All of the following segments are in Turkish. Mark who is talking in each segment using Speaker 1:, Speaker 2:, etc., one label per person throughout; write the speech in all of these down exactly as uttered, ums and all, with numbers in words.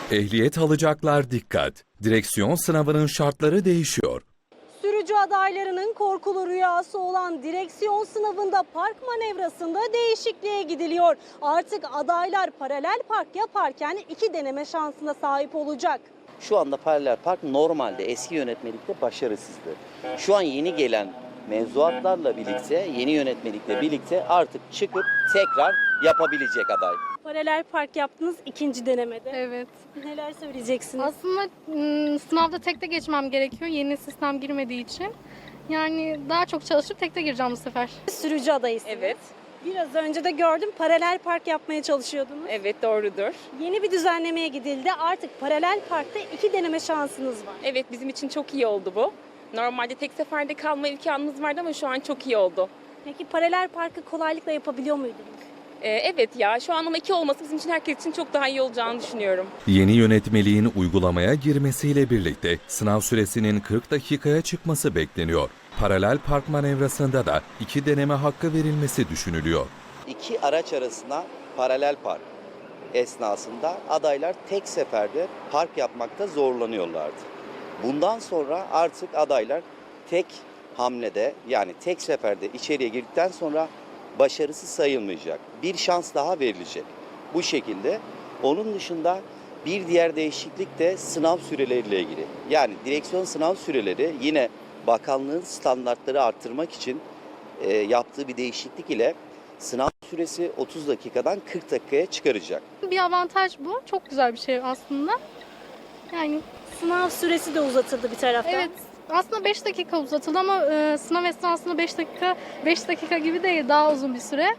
Speaker 1: Ehliyet alacaklar dikkat. Direksiyon sınavının şartları değişiyor.
Speaker 2: Sürücü adaylarının korkulu rüyası olan direksiyon sınavında park manevrasında değişikliğe gidiliyor. Artık adaylar paralel park yaparken iki deneme şansına sahip olacak.
Speaker 3: Şu anda paralel park normalde eski yönetmelikte başarısızdı. Şu an yeni gelen mevzuatlarla birlikte, yeni yönetmelikle birlikte artık çıkıp tekrar yapabilecek aday.
Speaker 2: Paralel park yaptınız ikinci denemede.
Speaker 4: Evet.
Speaker 2: Neler söyleyeceksiniz?
Speaker 4: Aslında ım, sınavda tekte geçmem gerekiyor. Yeni sistem girmediği için. Yani daha çok çalışıp tekte gireceğim bu sefer.
Speaker 2: Sürücü adayısınız.
Speaker 5: Evet,
Speaker 2: Biraz önce de gördüm paralel park yapmaya çalışıyordunuz.
Speaker 5: evet doğrudur.
Speaker 2: Yeni bir düzenlemeye gidildi. Artık paralel parkta iki deneme şansınız var.
Speaker 5: Evet, bizim için çok iyi oldu bu. Normalde tek seferde kalma imkanımız vardı ama şu an çok iyi oldu.
Speaker 2: Peki paralel parkı kolaylıkla yapabiliyor muydunuz?
Speaker 5: Ee, evet ya, şu an ama iki olması bizim için herkes için çok daha iyi olacağını düşünüyorum.
Speaker 1: Yeni yönetmeliğin uygulamaya girmesiyle birlikte sınav süresinin kırk dakikaya çıkması bekleniyor. Paralel park manevrasında da iki deneme hakkı verilmesi düşünülüyor.
Speaker 3: İki araç arasına paralel park esnasında adaylar tek seferde park yapmakta zorlanıyorlardı. Bundan sonra artık adaylar tek hamlede, yani tek seferde içeriye girdikten sonra başarısı sayılmayacak. Bir şans daha verilecek. Bu şekilde. Onun dışında bir diğer değişiklik de sınav süreleriyle ilgili. Yani direksiyon sınav süreleri yine bakanlığın standartları arttırmak için e, yaptığı bir değişiklik ile sınav süresi otuz dakikadan kırk dakikaya çıkaracak.
Speaker 4: Bir avantaj bu. Çok güzel bir şey aslında. Yani
Speaker 2: Sınav süresi de uzatıldı bir taraftan.
Speaker 4: evet, aslında beş dakika uzatıldı ama e, sınav esnasında beş dakika beş dakika gibi değil, daha uzun bir süre.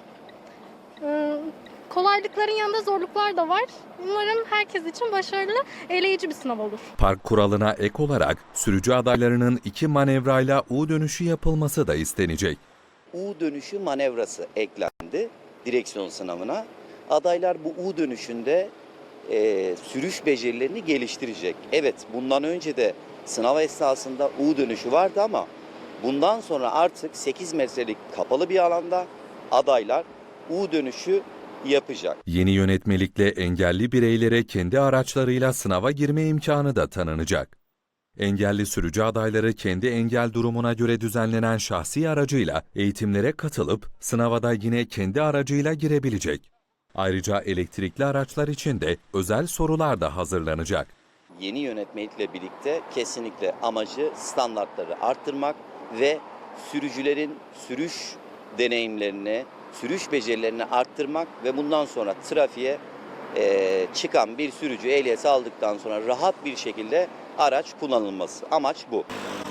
Speaker 4: E, kolaylıkların yanında zorluklar da var. Umarım herkes için başarılı, eleyici bir sınav olur.
Speaker 1: Park kuralına ek olarak sürücü adaylarının iki manevrayla U dönüşü yapılması da istenecek.
Speaker 3: U dönüşü manevrası eklendi direksiyon sınavına. Adaylar bu U dönüşünde e, sürüş becerilerini geliştirecek. Evet, bundan önce de sınav esnasında U dönüşü vardı ama bundan sonra artık sekiz metrelik kapalı bir alanda adaylar U dönüşü yapacak.
Speaker 1: Yeni yönetmelikle engelli bireylere kendi araçlarıyla sınava girme imkanı da tanınacak. Engelli sürücü adayları kendi engel durumuna göre düzenlenen şahsi aracıyla eğitimlere katılıp sınava da yine kendi aracıyla girebilecek. Ayrıca elektrikli araçlar için de özel sorular da hazırlanacak.
Speaker 3: Yeni yönetmelikle birlikte kesinlikle amacı standartları arttırmak ve sürücülerin sürüş deneyimlerini, sürüş becerilerini arttırmak ve bundan sonra trafiğe e, çıkan bir sürücü ehliyeti aldıktan sonra rahat bir şekilde araç kullanılması. Amaç bu.